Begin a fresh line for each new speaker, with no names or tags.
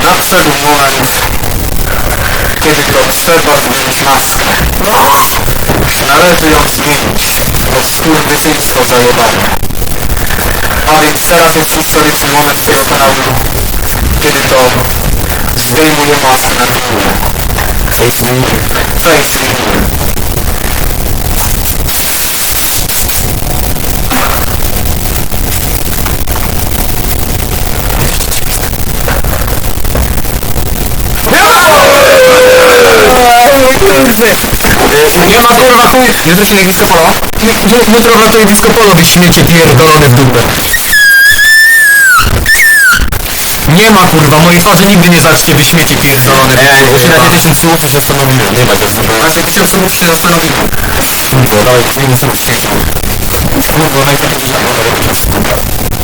nadszedł moment, kiedy to trzeba zdjąć maskę. Należy ją zmienić. To skurwysyństwo zajebane. A więc teraz jest historyczny moment tego kanału, kiedy to zdejmuje maskę na kanale. Face reveal. Face reveal. Nie ma kurwa chuj! Jesteś jak disco polo? Jutro ratuje disco polo, wy śmiecie pierdolone w dupę. Nie ma kurwa, mojej twarzy nigdy nie zaczcie, wy śmiecie pierdolone. Ja się na 1000 słów się zastanowiłem, nie ma go kurwa. Na 1000 słów się zastanowiłem. Kurwa, dawaj, zmienimy sobie 1000 słów. Kurwa, najpierw